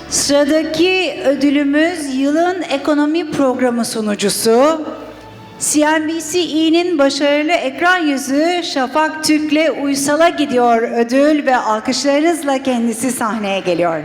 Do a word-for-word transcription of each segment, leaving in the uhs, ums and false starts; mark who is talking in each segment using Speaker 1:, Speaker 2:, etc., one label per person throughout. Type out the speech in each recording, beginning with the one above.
Speaker 1: Sıradaki ödülümüz yılın ekonomi programı sunucusu. C N B C İ'nin başarılı ekran yüzü Şafak Türk'le Uysal'a gidiyor ödül ve alkışlarınızla kendisi sahneye geliyor.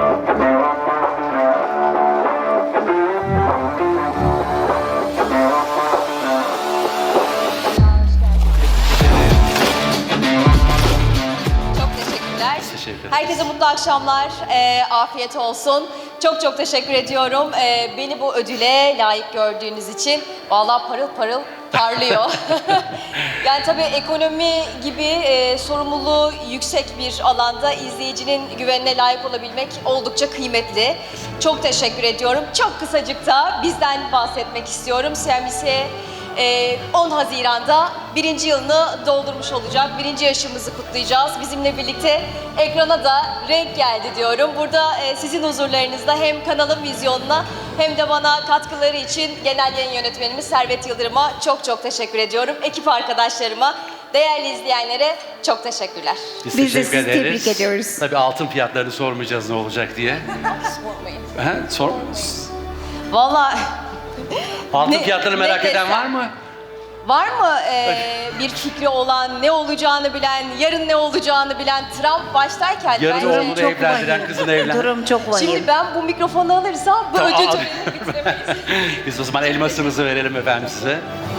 Speaker 2: Teşekkür ederim. Herkese mutlu akşamlar, e, afiyet olsun. Çok çok teşekkür ediyorum e, beni bu ödüle layık gördüğünüz için. Vallahi parıl parıl parlıyor. Yani tabii ekonomi gibi e, sorumluluğu yüksek bir alanda izleyicinin güvenine layık olabilmek oldukça kıymetli. Çok teşekkür ediyorum. Çok kısacık da bizden bahsetmek istiyorum. C N B C Ee, on Haziran'da birinci yılını doldurmuş olacak. Birinci yaşımızı kutlayacağız. Bizimle birlikte ekrana da renk geldi diyorum. Burada e, sizin huzurlarınızda hem kanalın vizyonuna hem de bana katkıları için genel yayın yönetmenimiz Servet Yıldırım'a çok çok teşekkür ediyorum. Ekip arkadaşlarıma, değerli izleyenlere çok teşekkürler.
Speaker 1: Biz
Speaker 3: Biz,
Speaker 1: de
Speaker 3: teşekkür
Speaker 1: sizi
Speaker 3: ederiz.
Speaker 1: tebrik ediyoruz.
Speaker 3: Tabii altın fiyatlarını sormayacağız ne olacak diye.
Speaker 2: Sormayın.
Speaker 3: Ha, sor.
Speaker 2: Vallahi
Speaker 3: Altın
Speaker 2: Ne-
Speaker 3: fiyatlarını merak
Speaker 2: ne
Speaker 3: eden
Speaker 2: desem?
Speaker 3: var mı?
Speaker 2: var mı e, bir fikri olan, ne olacağını bilen, yarın ne olacağını bilen Trump baştayken
Speaker 3: Yarın
Speaker 2: bence-
Speaker 3: oğlunu evlendiren, kızını evlendiren.
Speaker 1: Durum çok vahim.
Speaker 2: Şimdi ben bu mikrofonu alırsam bu
Speaker 3: Tamam,
Speaker 2: ödül
Speaker 3: al.
Speaker 2: törenini bitiremeyiz.
Speaker 3: Biz o zaman elmasınızı verelim efendim size.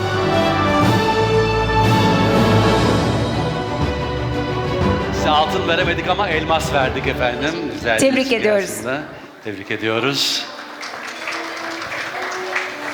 Speaker 3: Size altın veremedik ama elmas verdik efendim. Güzel bir
Speaker 1: Tebrik
Speaker 3: ilişki
Speaker 1: ediyoruz.
Speaker 3: aslında. Tebrik ediyoruz.